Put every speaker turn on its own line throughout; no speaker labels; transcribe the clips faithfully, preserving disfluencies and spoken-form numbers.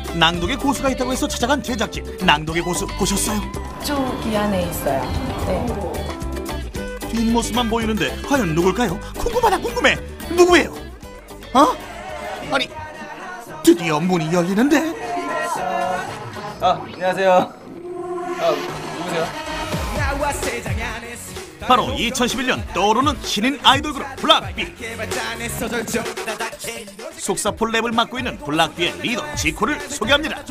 낭독의 고수가 있다고 해서 찾아간 제작진. 낭독의 고수 보셨어요?
저기 안에 있어요. 네.
뒷모습만 보이는데 과연 누굴까요? 궁금하다 궁금해. 누구예요? 어? 아니 드디어 문이 열리는데.
아 안녕하세요. 아 누구세요?
바로 이천십일 년 떠오르는 신인 아이돌 그룹 블락비. 속사포 랩을 맡고 있는 블락비의 리더 지코를 소개합니다.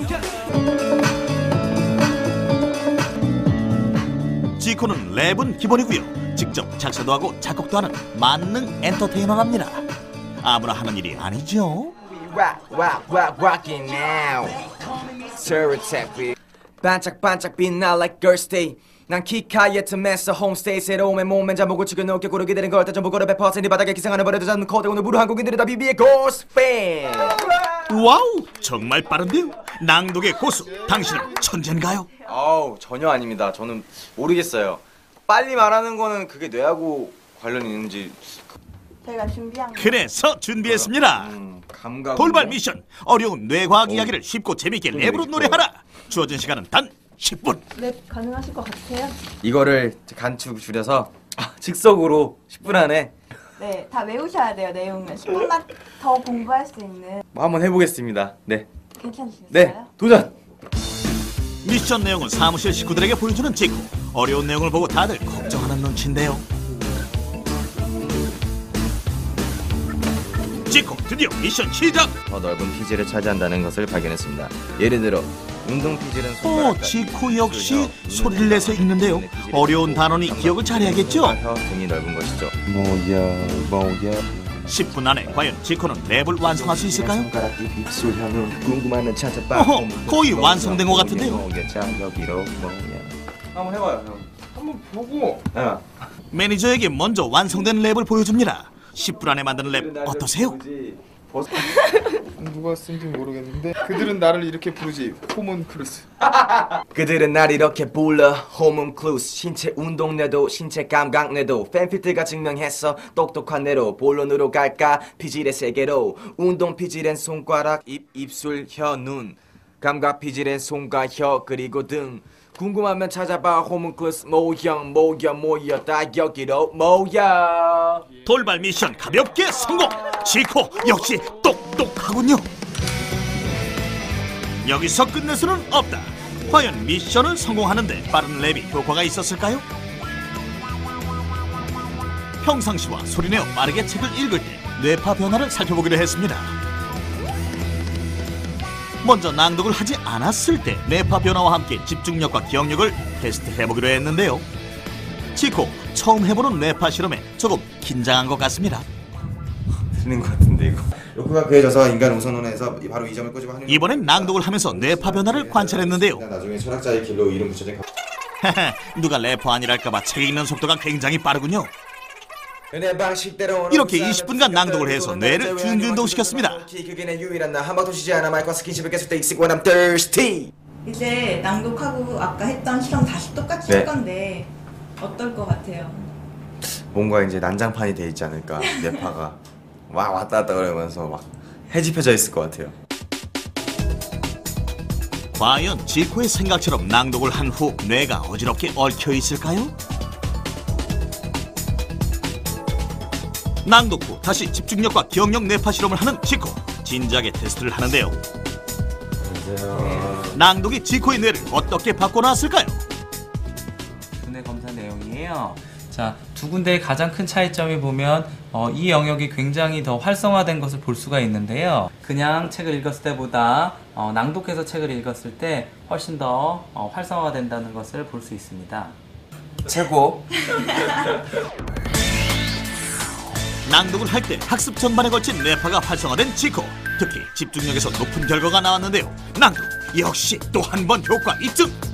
지코는 랩은 기본이고요. 직접 작사도 하고 작곡도 하는 만능 엔터테이너랍니다. 아무나 하는 일이 아니죠.
반짝반짝 빛나 like girls day. 난 키카의 틈에서 홈스테이 새로움의 몸에 잠복을 치고 높게 고르게 되는 걸 전부 걸어 백 퍼센트 바닥에 기생하는 버려도 잡는 코드 오늘 무료 한국인들이 다 비비의 고스 팬.
와우 정말 빠른데요. 낭독의 고수 당신은 천재인가요?
아우 전혀 아닙니다. 저는 모르겠어요. 빨리 말하는 거는 그게 뇌하고 관련이 있는지.
제가 준비한 거.
그래서 준비했습니다.
음, 감각
돌발 미션. 어려운 뇌과학 이야기를 쉽고 재미있게 랩으로 노래하라. 주어진 시간은 단 십 분.
랩 가능하실 것 같아요?
이거를 간축 줄여서 아, 즉석으로 십 분 안에
네, 다 외우셔야 돼요. 내용은 십 분만 더 공부할 수 있는.
뭐 한번 해보겠습니다. 네.
괜찮으시겠어요?
네. 도전.
미션 내용은 사무실 식구들에게 보여주는 지코. 어려운 내용을 보고 다들 걱정하는 눈치인데요. 지코 드디어 미션 시작.
더 넓은 피지를 차지한다는 것을 발견했습니다. 예를 들어 운동 피지는
오, 지코 역시 소리를 내서 읽는데요. 어려운 단어니 기억을 잘해야겠죠.
혀 등이 넓은 것이죠.
뭐야 뭐야
십 분 안에 과연 지코는 랩을 완성할 수 있을까요?
손가락 입 입술 혀는 궁금하면 찾아봐.
어허, 거의 완성된 것 같은데요.
여기로 뭐야. 한번 해봐요 형. 한번 보고. 어.
매니저에게 먼저 완성된 랩을 보여줍니다. 십 분 안에 만드는 랩 어떠세요?
누가 쓴지 모르겠는데 그들은 나를 이렇게 부르지 호문클루스.
그들은 날 이렇게 불러 호문클루스. 신체 운동내도 신체 감각내도 팬필트가 증명했어. 똑똑한 내로 본론으로 갈까. 피질의 세계로 운동 피질엔 손가락 입 입술 혀 눈 감각 피질엔 손과 혀 그리고 등. 궁금하면 찾아봐 호문클루스 모형 모여 모여 다 여기로 모여.
돌발 미션 가볍게 성공. 지코 역시 똑똑하군요. 여기서 끝낼 수는 없다. 과연 미션을 성공하는데 빠른 랩이 효과가 있었을까요? 평상시와 소리내어 빠르게 책을 읽을 때 뇌파 변화를 살펴보기로 했습니다. 먼저 낭독을 하지 않았을 때 뇌파 변화와 함께 집중력과 기억력을 테스트해보기로 했는데요. 지코 처음 해보는 뇌파 실험에 조금 긴장한 것 같습니다.
틀린 것 같은데 이거. 욕구가 그해져서 인간 우선론에서 바로 이 점을 꼬집어 하는.
이번엔 낭독을 하면서 뇌파 변화를 관찰했는데요.
나중에 철학자의 길로 이름 붙여진.
누가 래퍼 아니랄까봐 책 읽는 속도가 굉장히 빠르군요.
이렇게
이렇게 이십 분간 낭독을 해서 뇌를 준비운동시켰습니다.
그게 내 유일한 나 한방도 쉬지 않아 마이크와 스킨십을 계속 돼 익숙 when I'm thirsty.
이제 낭독하고 아까 했던 실험 다시 똑같이
네.
할 건데 어떨 것 같아요?
뭔가 이제 난장판이 돼 있지 않을까. 뇌파가 막 왔다 갔다 그러면서 막 해집혀져 있을 것 같아요.
과연 지코의 생각처럼 낭독을 한 후 뇌가 어지럽게 얽혀 있을까요? 낭독 후 다시 집중력과 기억력 뇌파 실험을 하는 지코. 진지하게 테스트를 하는데요.
안녕하세요.
낭독이 지코의 뇌를 어떻게 바꿔놨을까요?
두뇌 검사 내용이에요. 자, 두 군데의 가장 큰 차이점이 보면 어, 이 영역이 굉장히 더 활성화된 것을 볼 수가 있는데요. 그냥 책을 읽었을 때보다 어, 낭독해서 책을 읽었을 때 훨씬 더 어, 활성화된다는 것을 볼 수 있습니다.
최고.
낭독을 할 때 학습 전반에 걸친 뇌파가 활성화된 지코. 특히 집중력에서 높은 결과가 나왔는데요. 낭독 역시 또 한 번 효과 입증.